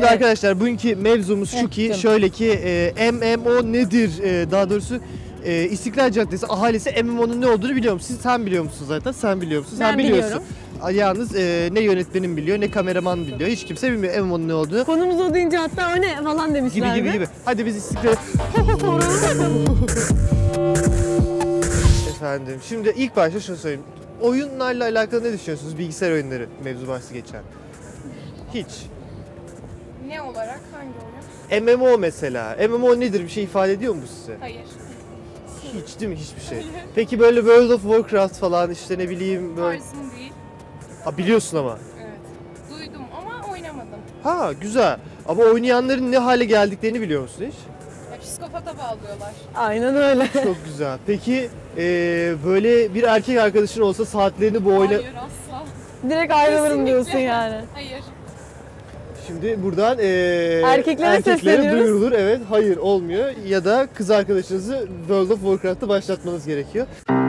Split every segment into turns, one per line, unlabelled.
Şimdi arkadaşlar bugünkü mevzumuz şu ki şöyle ki MMO nedir? Daha doğrusu İstiklal Caddesi ahalisi MMO'nun ne olduğunu biliyor musun? Sen biliyor musun zaten? Sen biliyor musun? Sen biliyorsun.
Biliyorum.
Yalnız ne yönetmenim biliyor, ne kameraman biliyor. Hiç kimse bilmiyor MMO'nun ne olduğunu.
Konumuz o deyince hatta o ne falan demişlerdi.
Gibi. Hadi biz İstiklal... Efendim, şimdi ilk başta şunu söyleyeyim. Oyunlarla alakalı ne düşünüyorsunuz? Bilgisayar oyunları mevzu bahsi geçen. Hiç.
Ne olarak? Hangi oyun?
MMO mesela. MMO nedir? Bir şey ifade ediyor mu size?
Hayır.
Hiç değil mi? Hiçbir şey. Peki böyle World of Warcraft falan işte ne bileyim böyle...
Tarzım değil.
Ha, biliyorsun ama.
Evet. Duydum ama oynamadım.
Ha, güzel. Ama oynayanların ne hale geldiklerini biliyor musun hiç?
Ya, psikopata bağlıyorlar.
Aynen öyle.
Çok güzel. Peki böyle bir erkek arkadaşın olsa saatlerini bu oyuna...
Hayır asla.
Direkt ayrılırım
Kesinlikle.
diyorsun yani.
Hayır.
Şimdi buradan
Erkeklere sesleniyoruz.
duyurulur. Evet, hayır olmuyor. Ya da kız arkadaşınızı World of Warcraft'ta başlatmanız gerekiyor.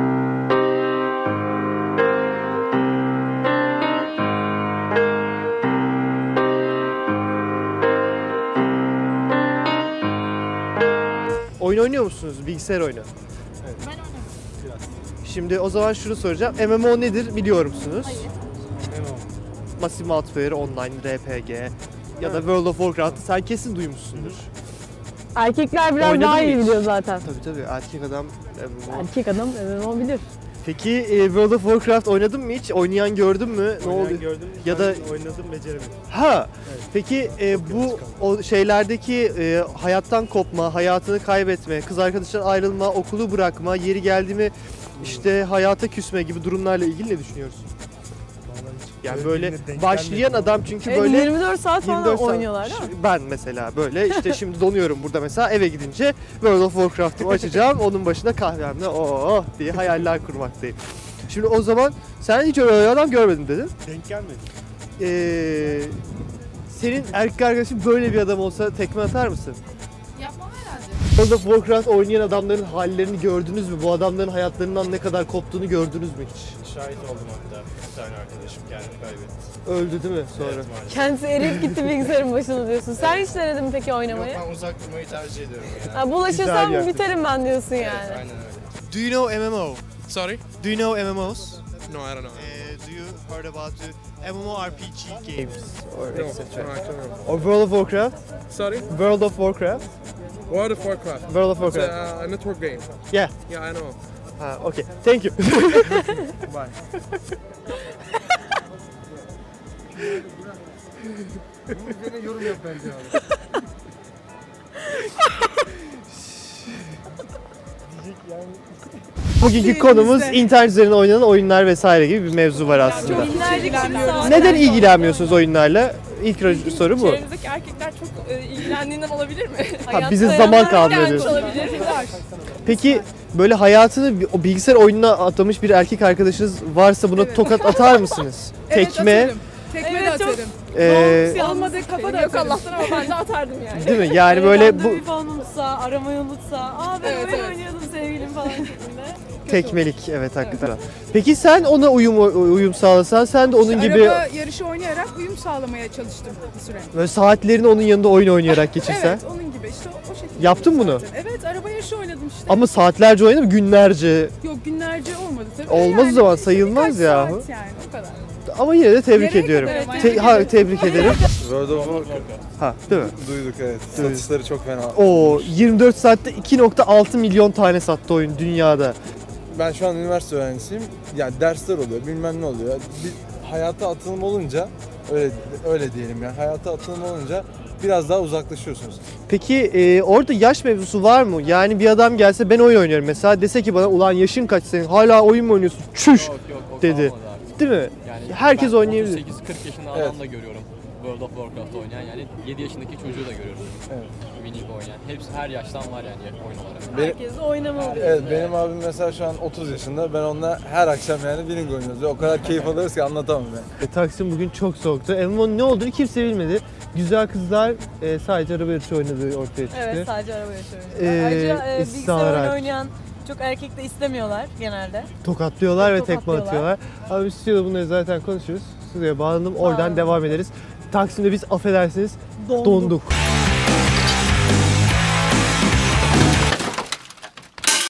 Oyun oynuyor musunuz? Bilgisayar oyunu.
Ben oynamadım.
Şimdi o zaman şunu soracağım. MMO nedir biliyor musunuz?
Hayır.
Massive Multiplayer Online RPG ya da World of Warcraft'ı sen kesin duymuşsundur.
Erkekler biraz
Oynadın
daha
mı
iyi
hiç?
biliyor zaten.
Tabii erkek adam MMO.
Erkek adam MMO bilir.
Peki World of Warcraft oynadın mı hiç? Oynayan gördün mü? Ne oldu?
Gördüm.
Ya da
oynadım, beceremedim.
ha.
Evet.
Peki bu o şeylerdeki hayattan kopma, hayatını kaybetme, kız arkadaşından ayrılma, okulu bırakma, yeri geldi mi işte hayata küsme gibi durumlarla ilgili ne düşünüyorsun? Yani böyle başlayan adam çünkü
Evet,
böyle
24 saat falan
24 saat.
oynuyorlar değil mi?
Ben mesela böyle işte şimdi donuyorum burada mesela eve gidince World of Warcraft'ımı açacağım onun başında kahvemle oh diye hayaller kurmaktayım. Şimdi o zaman sen hiç öyle adam görmedin dedin.
Denk gelmedi.
Senin erkek arkadaşın böyle bir adam olsa tekme atar mısın?
Yapmam herhalde.
World of Warcraft oynayan adamların hallerini gördünüz mü? Bu adamların hayatlarından ne kadar koptuğunu gördünüz mü hiç?
Şahit oldum hatta. Bir tane arkadaşım kendini kaybetti.
Öldü değil mi sonra?
Evet, maalesef.
Kendisi eriyip gitti bilgisayarın başına diyorsun. Sen hiç denedin mi peki
Yok,
oynamayı?
ben uzak durmayı tercih ediyorum yani.
Ha,
Güzel
bulaşırsam
bir yaklaşım.
biterim ben diyorsun
Evet,
yani.
aynen öyle.
Do you know MMO?
Sorry?
Do you know MMOs?
No, I don't know.
Do you heard about the MMORPG games or
No,
etc.?
no, I don't know.
Or World of Warcraft?
Sorry?
World of Warcraft?
World of Warcraft.
World of
It's
Warcraft.
a network game.
Yeah.
Yeah, I know.
Ha, okay. Thank you.
Bye.
Yorum yap bence abi.
Bugünkü konumuz internet üzerinden oynanan oyunlar vesaire gibi bir mevzu var aslında.
Çok ilgilenmiyorum.
Neden ilgilenmiyorsunuz oyunlarla? İlk soru bu.
Çevremizdeki erkekler çok ilgilendiğinden olabilir mi?
Ha, bize zaman kalmıyor
Gelmiş
diyorsun.
olabilir.
Peki böyle hayatını o bilgisayar oyununa atamış bir erkek arkadaşınız varsa buna tokat atar mısınız? Tekme,
Tekme de
Evet, çok-
atarım.
e,
Olmadı kafa da yok Allah'tan ama ben de atardım yani.
değil mi? Yani böyle bu
Bir falan unutsa, aramayı unutsa, aa ben
Evet,
oyun
evet.
oynuyordum sevgilim falan şeklinde.
tekmelik evet hakikaten. Peki sen ona uyum sağlasan sen de onun gibi
Araba yarışı oynayarak uyum sağlamaya çalıştım bir süre.
böyle saatlerini onun yanında oyun oynayarak geçirsen.
Evet, onun gibi işte o şekilde.
Yaptın bunu?
Zaten. Evet, araba yarışı oynadım işte.
Ama saatlerce oynadın mı? Günlerce.
Yok, günlerce olmadı tabii.
Olmaz o zaman,
işte
sayılmaz
birkaç
yahu.
saat yani o kadar.
Ama yine de tebrik
Nereye
ediyorum.
kadar? Evet,
Ha, tebrik ederim.
World of Warcraft.
Ha, değil mi?
Duyduk evet. Satışları çok fena.
O 24 saatte 2.6 milyon tane sattı oyun dünyada.
Ben şu an üniversite öğrencisiyim. Yani dersler oluyor, bilmem ne oluyor. Bir hayata atılım olunca öyle diyelim yani. Hayata atılım olunca biraz daha uzaklaşıyorsunuz.
Peki orada yaş mevzusu var mı? Yani bir adam gelse ben oyun oynuyorum mesela dese ki bana ulan yaşın kaç senin hala oyun mu oynuyorsun? Çüş
O
dedi.
kalmadı abi.
Değil mi?
Yani
Herkes
ben
oynayabilir.
38-40 yaşında
Evet.
adam da görüyorum. World of Warcraft oynayan yani 7 yaşındaki çocuğu da görüyorum.
Evet.
Winning oynayan. Hepsi her yaştan var yani oyun olarak.
Herkes de oynamalı diyor.
Evet, benim abim mesela şu an 30 yaşında. Ben onunla her akşam yani Winning oynuyoruz. O kadar keyif alıyoruz ki anlatamam yani.
Taksim bugün çok soğuktu. MMO'nun ne olduğunu kimse bilmedi. Güzel kızlar sadece araba yarışı oynadığı ortaya çıktı.
Evet, sadece araba yarışı oynuyorlar. Ayrıca bilgisayar
istisnalar
oyunu
hariç.
oynayan çok erkek de istemiyorlar genelde.
Tokatlıyorlar ve tekme
Tokatlıyorlar.
atıyorlar. Abi stüdyoda bunları zaten konuşuruz. Stüdyoya bağlandım. Oradan
Bağlandım.
devam ederiz. Taksim'de biz affedersiniz donduk.